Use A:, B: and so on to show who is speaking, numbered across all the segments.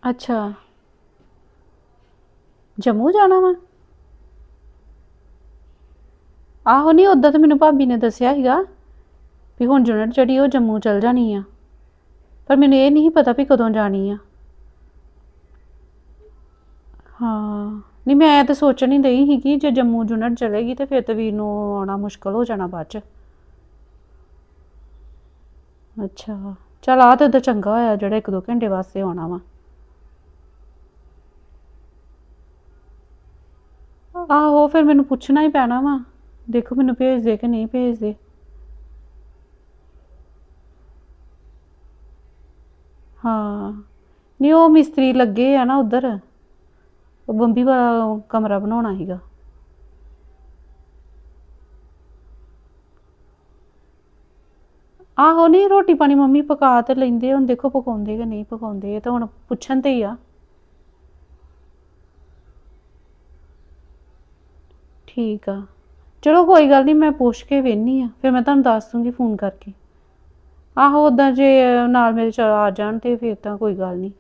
A: ਅੱਛਾ ਜੰਮੂ ਜਾਣਾ ਵਾ। ਆਹੋ ਨਹੀਂ ਉਦਾਂ ਤਾਂ ਮੈਨੂੰ ਭਾਬੀ ਨੇ ਦੱਸਿਆ ਸੀਗਾ ਵੀ ਹੁਣ ਯੂਨਿਟ ਜਿਹੜੀ ਉਹ ਜੰਮੂ ਚਲ ਜਾਣੀ ਆ, ਪਰ ਮੈਨੂੰ ਇਹ ਨਹੀਂ ਪਤਾ ਵੀ ਕਦੋਂ ਜਾਣੀ ਆ। ਹਾਂ ਨਹੀਂ ਮੈਂ ਤਾਂ ਸੋਚਣ ਹੀ ਡਈ ਸੀਗੀ ਜੇ ਜੰਮੂ ਯੂਨਿਟ ਚਲੇਗੀ ਤੇ ਫਿਰ ਤਾਂ ਵੀਰ ਨੂੰ ਆਉਣਾ ਮੁਸ਼ਕਲ ਹੋ ਜਾਣਾ ਬਾਅਦ 'ਚ। ਅੱਛਾ ਚੱਲ ਆ ਤਾਂ ਉਦੋਂ ਚੰਗਾ ਹੋਇਆ ਜਿਹੜਾ 1-2 ਘੰਟੇ ਵਾਸਤੇ ਆਉਣਾ ਵਾ। ਆਹੋ ਫਿਰ ਮੈਨੂੰ ਪੁੱਛਣਾ ਹੀ ਪੈਣਾ ਵਾ, ਦੇਖੋ ਮੈਨੂੰ ਭੇਜਦੇ ਕਿ ਨਹੀਂ ਭੇਜਦੇ। ਹਾਂ ਨਹੀਂ ਉਹ ਮਿਸਤਰੀ ਲੱਗੇ ਆ ਨਾ ਉੱਧਰ, ਉਹ ਬੰਬੀ ਵਾਲਾ ਕਮਰਾ ਬਣਾਉਣਾ ਸੀਗਾ। ਆਹੋ ਨਹੀਂ ਰੋਟੀ ਪਾਣੀ ਮੰਮੀ ਪਕਾ ਤੇ ਲੈਂਦੇ, ਹੁਣ ਦੇਖੋ ਪਕਾਉਂਦੇ ਕਿ ਨਹੀਂ ਪਕਾਉਂਦੇ, ਇਹ ਤਾਂ ਹੁਣ ਪੁੱਛਣ ਤੇ ਹੀ ਆ। ਠੀਕ ਆ ਚਲੋ ਕੋਈ ਗੱਲ ਨਹੀਂ, ਮੈਂ ਪੁੱਛ ਕੇ ਵੇਖਦੀ ਆ ਫਿਰ ਮੈਂ ਤੁਹਾਨੂੰ ਦੱਸ ਦੂੰਗੀ ਫੋਨ ਕਰਕੇ। ਆਹੋ ਉੱਦਾਂ ਜੇ ਨਾਲ ਮੇਰੇ ਚ ਆ ਜਾਣ ਤੇ ਫਿਰ ਤਾਂ ਕੋਈ ਗੱਲ ਨਹੀਂ।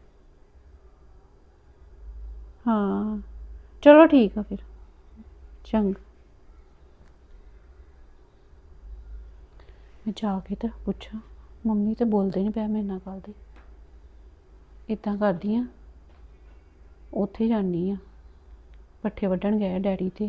A: ਹਾਂ ਚਲੋ ਠੀਕ ਆ ਫਿਰ ਚੰਗਾ। ਮੈਂ ਜਾ ਕੇ ਤਾਂ ਪੁੱਛਾਂ, ਮੰਮੀ ਤਾਂ ਬੋਲਦੇ ਨਹੀਂ ਪਿਆ ਮੇਰੇ ਨਾਲ ਗੱਲ ਦੇ। ਇੱਦਾਂ ਕਰਦੀ ਆ ਉੱਥੇ ਜਾਂਦੀ ਆ, ਪੱਠੇ ਵੱਢਣ ਗਏ ਡੈਡੀ ਤੇ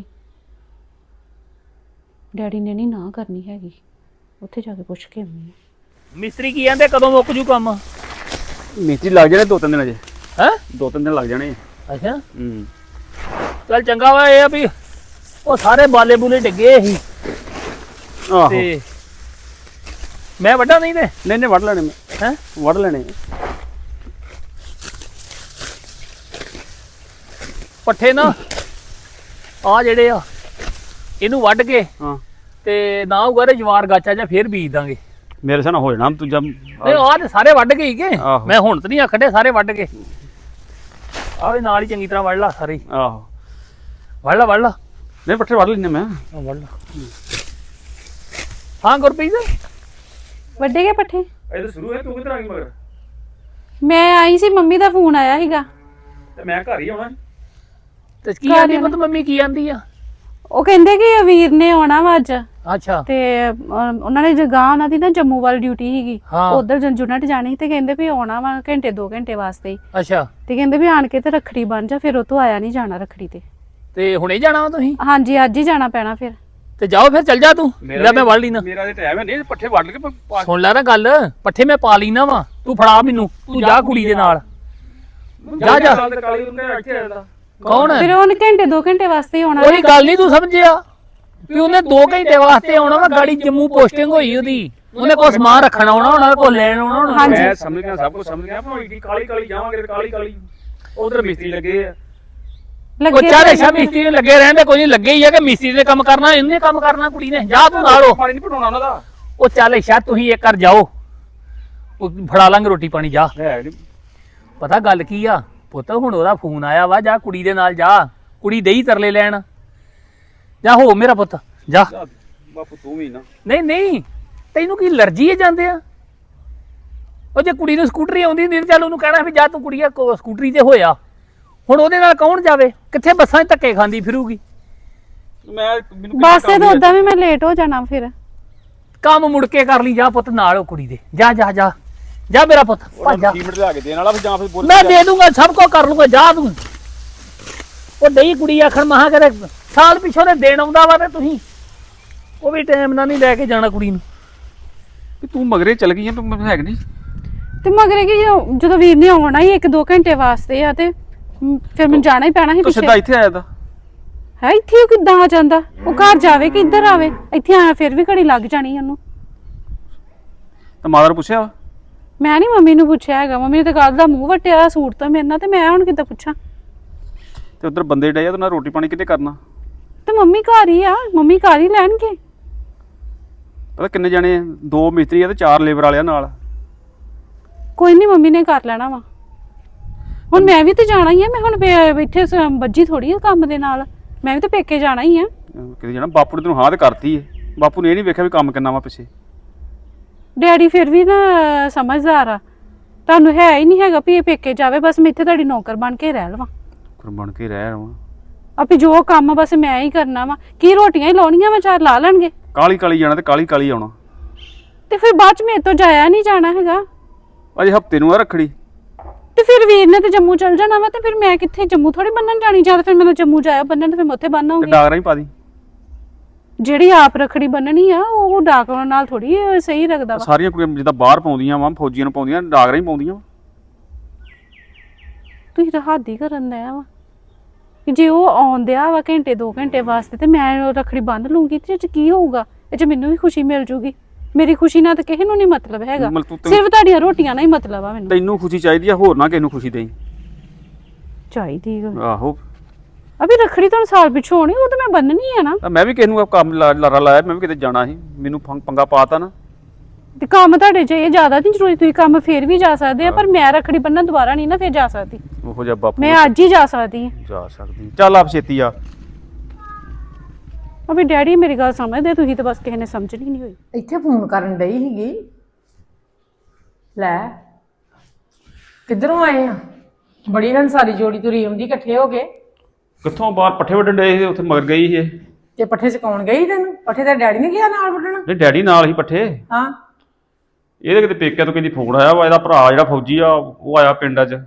A: ਡੈਡੀ ਨੇ ਨਹੀਂ ਨਾ ਕਰਨੀ ਹੈਗੀ, ਉੱਥੇ ਜਾ ਕੇ ਪੁੱਛ ਕੇ ਆਉਂਦੀ ਆ।
B: ਮਿਸਤਰੀ ਕੀ ਕਹਿੰਦੇ ਕਦੋਂ ਮੁੱਕ ਜੂ ਕੰਮ?
C: ਮਿਸਤਰੀ ਲੱਗ ਜਾਣੇ 2-3 ਦਿਨ ਅਜੇ।
B: ਹੈ
C: 2-3 ਦਿਨ ਲੱਗ ਜਾਣੇ।
B: ਅੱਛਾ
C: ਹੂੰ
B: ਚੱਲ ਚੰਗਾ ਵਾ, ਇਹ ਆ ਵੀ ਉਹ ਸਾਰੇ ਬਾਲੇ ਬੂਲੇ ਡਿੱਗੇ ਸੀ
C: ਆਹੋ
B: ਤੇ ਮੈਂ ਵੱਡਾ ਨਹੀਂ ਤੇ
C: ਨਹੀਂ ਵੱਢ ਲੈਣੇ ਮੈਂ।
B: ਹੈ
C: ਵੱਢ ਲੈਣੇ।
B: ਪੱਠੇ ਨਾ ਆ ਜਿਹੜੇ ਆ ਇਹਨੂੰ ਵੱਢ ਕੇ
C: ਹਾਂ
B: ਤੇ ਨਾ ਉਗਾਰੇ ਜਵਾਰ ਗਾਚਾ ਜਾਂ ਫੇਰ ਬੀਜ ਦਾਂਗੇ।
C: ਮੇਰੇ ਸਾਹ ਹੋ ਜਾਣਾ ਤੂੰ ਜਦ
B: ਨਹੀਂ ਆਹ ਤੇ ਸਾਰੇ ਵੱਢ ਗਏ ਹੀਗੇ,
C: ਆਹੋ।
B: ਮੈਂ ਹੁਣ ਤੇ ਨਹੀਂ ਆਖੜੇ ਸਾਰੇ ਵੱਢ ਕੇ ਆਹ ਵੀ ਨਾਲ ਹੀ ਚੰਗੀ ਤਰ੍ਹਾਂ ਵੱਢ ਲਾ ਸਾਰੇ ਹੀ।
C: ਆਹੋ
B: ਵੱਢ ਲਾ
C: ਨਹੀਂ ਪੱਠੇ ਵੱਢ ਲੈਣੇ ਮੈਂ।
B: ਵੱਢ ਲਾ। ਹਾਂ ਗੁਰਪ੍ਰੀਤ
A: ਵੱਡੇ ਗਏ ਪੱਠੇ?
C: ਇਹ ਤਾਂ ਸ਼ੁਰੂ ਹੈ, ਤੂੰ ਕਿੱਧਰ ਆ ਗਈ ਮਗਰ?
A: ਮੈਂ ਆਈ ਸੀ, ਮੰਮੀ ਦਾ ਫੋਨ ਆਇਆ ਸੀਗਾ।
C: ਤੇ ਮੈਂ ਘਰ ਹੀ ਆਉਣਾ।
B: ਤੇ ਕੀ ਆਂਦੀ ਪੁੱਤ ਮੰਮੀ ਕੀ ਆਂਦੀ ਆ?
A: ਉਹ ਕਹਿੰਦੇ ਕਿ ਵੀਰ ਨੇ ਆਉਣਾ ਵਾ ਅੱਜ
B: ਅੱਛਾ
A: ਤੇ ਉਹਨਾਂ ਨੇ ਜਗ੍ਹਾ ਉਹਨਾਂ ਦੀ ਨਾ ਜੰਮੂ ਵਾਲੀ ਡਿਊਟੀ ਸੀਗੀ,
B: ਹਾਂ।
A: ਉਧਰ ਯੂਨਿਟ ਜਾਣੀ ਸੀ ਤੇ ਕਹਿੰਦੇ ਵੀ ਆਉਣਾ ਵਾ ਘੰਟੇ 2 ਘੰਟੇ ਵਾਸਤੇ ਹੀ।
B: ਅੱਛਾ
A: ਤੇ ਕਹਿੰਦੇ ਵੀ ਆਣ ਕੇ ਤੇ ਰੱਖੜੀ ਬਣ ਜਾ, ਫਿਰ ਉਹ ਤੋਂ ਆਇਆ ਨਹੀਂ ਜਾਣਾ ਰੱਖੜੀ
B: ਤੇ ਹੁਣੇ ਜਾਣਾ ਵਾ ਤੁਸੀਂ?
A: ਹਾਂਜੀ ਅੱਜ ਹੀ ਜਾਣਾ ਪੈਣਾ ਫਿਰ।
B: ਤੇ ਜਾਓ ਫਿਰ ਚੱਲ ਜਾ ਤੂੰ, ਲੈ ਮੈਂ ਵੱਢ ਲੈਣਾ।
C: ਮੇਰਾ ਤੇ ਟਾਈਮ ਹੈ ਨਹੀਂ, ਪੱਠੇ ਵੱਢ ਕੇ
B: ਸੁਣ ਲੈ ਨਾ ਗੱਲ, ਪੱਠੇ ਮੈਂ ਪਾ ਲੈਣਾ ਵਾ, ਤੂੰ ਫੜਾ ਮੈਨੂੰ, ਤੂੰ ਜਾ ਕੁੜੀ ਦੇ ਨਾਲ ਜਾ ਜਾ।
C: ਕਾਲੀ ਨੂੰ ਇੱਥੇ ਆਇਆ।
B: ਕੌਣ
A: ਫਿਰ ਉਹਨੇ ਘੰਟੇ 2 ਘੰਟੇ ਵਾਸਤੇ ਹੀ ਆਉਣਾ।
B: ਕੋਈ ਗੱਲ ਨਹੀਂ ਤੂੰ ਸਮਝਿਆ ਵੀ ਉਹਨੇ 2 ਘੰਟੇ ਵਾਸਤੇ ਆਉਣਾ ਵਾ, ਗਾੜੀ ਜੰਮੂ ਪੋਸਟਿੰਗ ਹੋਈ ਉਹਦੀ, ਉਹਨੇ ਕੋਈ ਸਮਾਨ ਰੱਖਣਾ ਆਉਣਾ, ਉਹਨਾਂ ਕੋਲ ਲੈਣ ਆਉਣਾ ਹੋਣਾ।
A: ਹਾਂਜੀ।
C: ਮੈਂ ਸਮਝ ਗਿਆ, ਸਭ ਕੁਝ ਸਮਝ ਗਿਆ, ਪਰ ਇੱਡੀ ਕਾਲੀ ਜਾਵਾਂਗੇ ਤੇ ਕਾਲੀ ਉਧਰ ਮਿਸਤਰੀ ਲੱਗੇ ਆ। ਉਹ ਚਾਰੇ ਸ਼ਾ ਮਿਸਤਰੀ ਨੇ ਲੱਗੇ ਰਹਿੰਦੇ, ਕੋਈ ਨਹੀਂ ਲੱਗੇ ਹੀ ਆ ਕਿ ਮਿਸਤਰੀ ਨੇ ਕੰਮ ਕਰਨਾ, ਇਹਨੇ ਕੰਮ ਕਰਨਾ, ਕੁੜੀ ਨੇ। ਜਾ ਤੂੰ ਨਾਲੋਂ ਪਾਣੀ ਨਹੀਂ ਪਟਾਉਣਾ ਉਹਨਾਂ ਦਾ।
B: ਉਹ ਚੱਲ ਸ਼ਾ ਤੁਸੀਂ ਇੱਕ ਕਰ ਜਾਓ, ਉਹ ਫੜਾ ਲਾਂਗੇ ਰੋਟੀ ਪਾਣੀ। ਜਾ
C: ਹੈ ਨੀ।
B: ਪਤਾ ਗੱਲ ਕੀ ਆ ਪੁੱਤ, ਹੁਣ ਉਹਦਾ ਫੋਨ ਆਇਆ ਵਾ, ਜਾ ਕੁੜੀ ਦੇ ਨਾਲ ਜਾ, ਕੁੜੀ ਦੇਈ ਤਰਲੇ ਲੈਣ। ਜਾ ਹੋ ਮੇਰਾ ਪੁੱਤ ਜਾ।
C: ਬਾਪੂ ਤੂੰ ਵੀ ਨਾ।
B: ਨਹੀਂ ਤੈਨੂੰ ਕੀ ਅਲਰਜੀ ਹੈ ਜਾਂਦੇ ਆ? ਉਹ ਜੇ ਕੁੜੀ ਨੂੰ ਸਕੂਟਰੀ ਆਉਂਦੀ ਹੁੰਦੀ ਚੱਲ ਉਹਨੂੰ ਕਹਿਣਾ ਵੀ ਜਾ ਤੂੰ ਕੁੜੀਆ ਸਕੂਟਰੀ ਤੇ ਹੋਇਆ। ਹੁਣ ਉਹਦੇ ਨਾਲ ਕੌਣ ਜਾਵੇ, ਕਿੱਥੇ ਬੱਸਾਂ 'ਚ ਧੱਕੇ ਖਾਂਦੀ ਫਿਰੂਗੀ।
C: ਮੈਨੂੰ
A: ਬੱਸ ਤੇ ਤਾਂ ਉਦਾਂ ਵੀ ਮੈਂ ਲੇਟ ਹੋ ਜਾਣਾ ਫਿਰ।
B: ਕੰਮ ਮੁੜ ਕੇ ਕਰ ਲਈ, ਜਾ ਪੁੱਤ ਨਾਲ ਉਹ ਕੁੜੀ ਦੇ। ਜਾ ਜਾ ਜਾ ਜਾ ਮੇਰਾ ਪੁੱਤ ਭੱਜ ਜਾ।
C: ਸੀਮਿੰਟ ਲਿਆ ਕੇ ਦੇਣ ਵਾਲਾ, ਫਿਰ ਜਾਂ ਫਿਰ
B: ਮੈਂ ਦੇ ਦੂੰਗਾ, ਸਭ ਕੁਝ ਕਰ ਲੂੰਗਾ, ਜਾ ਤੂੰ। ਉਹ ਡਈ ਕੁੜੀ ਆਖਣ ਮਹਾ ਕਰੇ ਸਾਲ ਪਿੱਛੋਂ ਦੇ ਦੇਣ ਆਉਂਦਾ ਵਾ ਤੇ ਤੁਸੀਂ ਉਹ ਵੀ ਟਾਈਮ ਨਾਲ ਨਹੀਂ ਲੈ ਕੇ ਜਾਣਾ ਕੁੜੀ ਨੂੰ।
C: ਤੂੰ ਮਗਰੇ ਚਲ ਗਈ ਆ, ਤੂੰ ਹੈ ਨਹੀਂ।
A: ਤੇ ਮਗਰ ਕੀ ਜਦੋਂ ਵੀਰ ਨੇ ਆਉਣਾ ਹੀ 1-2 ਘੰਟੇ ਵਾਸਤੇ ਆ ਤੇ ਫਿਰ ਮੈਨੂੰ ਜਾਣਾ ਹੀ ਪੈਣਾ ਸੀ
C: ਤੂੰ ਸਿੱਧਾ
A: ਪਿੱਛੇ।
C: ਇੱਥੇ ਆਇਆ ਤਾਂ
A: ਹੈ ਇੱਥੇ ਉਹ ਕਿੱਦਾਂ ਆ ਜਾਂਦਾ? ਉਹ ਘਰ ਜਾਵੇ ਕਿ ਇੱਧਰ ਆਵੇ? ਇੱਥੇ ਆਇਆ ਫਿਰ ਵੀ ਘੜੀ ਲੱਗ ਜਾਣੀ ਉਹਨੂੰ।
C: ਤਾਂ ਮਾਤਾ ਨੂੰ ਪੁੱਛਿਆ ਵਾ?
A: ਮੈਂ ਨਹੀਂ ਮੰਮੀ ਨੂੰ ਪੁੱਛਿਆ ਹੈਗਾ, ਮੰਮੀ ਨੇ ਤਾਂ ਕੱਲ ਦਾ ਮੂੰਹ ਵੱਟਿਆ ਸੂਟ ਤੋਂ ਮੇਰੇ ਨਾਲ, ਤੇ ਮੈਂ ਹੁਣ ਕਿੱਦਾਂ ਪੁੱਛਾਂ?
C: ਤੇ ਉਧਰ ਬੰਦੇ ਡਏ ਆ, ਤੇ ਨਾਲ ਰੋਟੀ ਪਾਣੀ ਕਿਤੇ ਕਰਨਾ।
A: ਤੇ ਮੰਮੀ ਘਰ ਹੀ ਆ, ਮੰਮੀ ਘਰ ਹੀ ਲੈਣਗੇ।
C: ਪਤਾ ਕਿੰਨੇ ਜਾਣੇ ਆ? 2 ਮਿਸਤਰੀ ਆ ਤੇ 4 ਲੇਬਰ ਵਾਲੇ ਆ ਨਾਲ।
A: ਕੋਈ ਨਹੀਂ ਮੰਮੀ ਨੇ ਕਰ ਲੈਣਾ ਵਾ। ਹੁਣ ਮੈਂ ਵੀ ਤੇ ਜਾਣਾ ਹੀ ਆ, ਮੈਂ ਹੁਣ ਬੈਠੇ ਬੱਜੀ ਥੋੜੀ ਆ ਕੰਮ ਦੇ ਨਾਲ, ਮੈਂ ਵੀ ਤੇ ਪੇਕੇ ਜਾਣਾ ਹੀ ਆ।
C: ਕਿਤੇ ਜਾਣਾ। ਬਾਪੂ ਨੇ ਤੈਨੂੰ ਹਾਂ ਤੇ ਕਰਤੀ ਏ, ਬਾਪੂ ਨੇ ਇਹ ਨਹੀਂ ਵੇਖਿਆ ਵੀ ਕੰਮ ਕਿੰਨਾ ਵਾ ਪਿੱਛੇ।
A: ਡੈਡੀ ਫਿਰ ਵੀ ਨਾ ਸਮਝਦਾਰ ਆ, ਤੁਹਾਨੂੰ ਹੈ ਹੀ ਨਹੀਂ ਹੈਗਾ ਵੀ ਇਹ ਪੇਕੇ ਜਾਵੇ, ਬਸ ਮੈਂ ਇੱਥੇ ਤੁਹਾਡੀ ਨੌਕਰ ਬਣ ਕੇ ਰਹਿ ਲਵਾਂ।
C: ਬਣ ਕੇ ਰਹਿ ਰਵਾਂ
A: ਆਪੇ ਜੋ ਕੰਮ ਆ ਬਸ ਮੈਂ ਹੀ ਕਰਨਾ ਵਾ। ਕੀ ਰੋਟੀਆਂ ਹੀ ਲਾਉਣੀਆਂ ਵਾ, ਚਾਰ ਲਾ ਲੈਣਗੇ।
C: ਕਾਲੀ ਕਾਲੀ ਜਾਣਾ ਤੇ ਕਾਲੀ ਕਾਲੀ ਆਉਣਾ,
A: ਤੇ ਫਿਰ ਬਾਅਦ ਚ ਮੇਰੇ ਤੋਂ ਜਾਇਆ ਨਹੀਂ ਜਾਣਾ ਹੈਗਾ।
C: ਅਜੇ ਹਫਤੇ ਨੂੰ ਆ ਰੱਖੜੀ।
A: ਤੇ ਫਿਰ ਵੀਰ ਨੇ ਤੇ ਜੰਮੂ ਚਲ ਜਾਣਾ ਵਾ, ਤੇ ਫਿਰ ਮੈਂ ਕਿੱਥੇ ਜੰਮੂ ਥੋੜੀ ਬੰਨਣ ਜਾਣੀ, ਜਾਂ ਫਿਰ ਮੈਨੂੰ ਜੰਮੂ ਜਾਇਆ ਬੰਨਣ ਤੇ ਫਿਰ ਮੈਂ ਉੱਥੇ ਬੰਨ
C: ਤੇ
A: ਆਉਂਗੀ।
C: ਡਾਗਰਾਂ ਹੀ ਪਾ ਦੀ।
A: ਜਿਹੜੀ ਆਪ ਰੱਖੜੀ ਬੰਨਣੀ ਆ ਉਹ ਡਾਕ ਨਾਲ ਥੋੜੀ ਸਹੀ ਲੱਗਦਾ ਵਾ।
C: ਸਾਰੀਆਂ ਕੁੜੀਆਂ ਜਿੱਦਾਂ ਬਾਹਰ ਪਾਉਂਦੀਆਂ ਵਾ, ਫੌਜੀਆਂ ਨੂੰ ਪਾਉਂਦੀਆਂ, ਡਾਗਰਾਂ ਹੀ ਪਾਉਂਦੀਆਂ ਵਾ।
A: ਤੁਸੀਂ ਤਾਂ ਹੱਦ ਹੀ ਕਰਨ ਦਿਆ ਵਾ। ਜੇ ਉਹ ਆਉਂਦਿਆ ਵਾ ਘੰਟੇ 2 ਘੰਟੇ ਵਾਸਤੇ ਤੇ ਮੈਂ ਰੱਖੜੀ ਬੰਨ ਲੂੰਗੀ ਤੇ ਇਹ ਚ ਕੀ ਹੋਊਗਾ? ਇਹ ਚ ਮੈਨੂੰ ਵੀ ਖੁਸ਼ੀ ਮਿਲ ਜੂਗੀ। ਮੇਰੀ ਖੁਸ਼ੀ ਨਾਲ ਤਾਂ ਕਿਸੇ ਨੂੰ ਨਹੀਂ ਮਤਲਬ ਹੈਗਾ, ਸਿਰਫ ਤੁਹਾਡੀਆਂ ਰੋਟੀਆਂ ਨਾਲ ਹੀ ਮਤਲਬ ਆ ਮੈਨੂੰ।
C: ਤੈਨੂੰ ਖੁਸ਼ੀ ਚਾਹੀਦੀ ਆ, ਹੋਰ ਨਾ ਕਿਸੇ ਨੂੰ ਖੁਸ਼ੀ ਦੇਈ।
A: ਚਾਹੀਦੀ
C: ਆਹੋ
A: ਅਭੀ ਰੱਖੜੀ ਤੁਹਾਨੂੰ ਸਾਲ ਪਿੱਛੋਂ ਹੋਣੀ, ਉਹ ਤਾਂ ਮੈਂ ਬੰਨਣੀ ਆ ਨਾ।
C: ਮੈਂ ਵੀ ਕਿਸੇ ਨੂੰ ਕੰਮ ਲਾਰਾ ਲਾਇਆ, ਮੈਂ ਵੀ ਕਿਤੇ ਜਾਣਾ ਸੀ, ਮੈਨੂੰ ਪੰਗਾ ਪਾਤਾ ਨਾ।
A: ਤੇ ਕੰਮ ਤੁਹਾਡੇ ਚ ਇਹ ਜ਼ਿਆਦਾ ਨਹੀਂ ਜ਼ਰੂਰੀ, ਤੁਸੀਂ ਕੰਮ ਫੇਰ ਵੀ ਜਾ ਸਕਦੇ ਆ, ਪਰ ਮੈਂ ਰੱਖੜੀ ਬੰਨਣ ਦੁਬਾਰਾ ਨਹੀਂ ਨਾ ਫੇਰ ਜਾ ਸਕਦੀ।
C: ਉਹੋ ਜਿਹਾ ਬਾਪੂ
A: ਮੈਂ ਅੱਜ ਹੀ ਜਾ ਸਕਦੀ ਹਾਂ।
C: ਜਾ ਸਕਦੀ, ਚੱਲ ਆਪ ਛੇਤੀ ਆ।
A: ਅਭੀ ਡੈਡੀ ਮੇਰੀ ਗੱਲ ਸਮਝਦੇ, ਤੁਸੀਂ ਤਾਂ ਬਸ ਕਿਸੇ ਨੇ ਸਮਝਣੀ ਨਹੀਂ ਹੋਈ।
D: ਇੱਥੇ ਫੋਨ ਕਰਨ ਡਈ ਸੀਗੀ। ਲੈ ਕਿੱਧਰੋਂ ਆਏ ਆ? ਬੜੀ ਹੰਸਾਰੀ ਜੋੜੀ ਤੁਰੀ ਆਉਂਦੀ ਇਕੱਠੇ ਹੋ ਕੇ।
C: ਕਿੱਥੋਂ ਬਾਹਰ ਪੱਠੇ ਵੱਢਣ ਡਏ ਸੀ, ਉੱਥੇ ਮਗਰ ਗਈ ਸੀ ਇਹ।
D: ਤੇ ਪੱਠੇ ਚਕਾਉਣ ਗਈ ਤੈਨੂੰ? ਪੱਠੇ ਤਾਂ ਡੈਡੀ ਨੇ ਗਿਆ ਨਾਲ ਵੱਢਣ।
C: ਨਹੀਂ ਡੈਡੀ ਨਾਲ ਹੀ ਪੱਠੇ।
D: ਹਾਂ
C: ਇਹਦੇ ਕਿਤੇ ਪੇਕਿਆਂ ਤੋਂ ਕਹਿੰਦੀ ਫੋਨ ਆਇਆ ਵਾ, ਇਹਦਾ ਭਰਾ ਜਿਹੜਾ ਫੌਜੀ ਆ ਉਹ ਆਇਆ ਪਿੰਡ 'ਚ।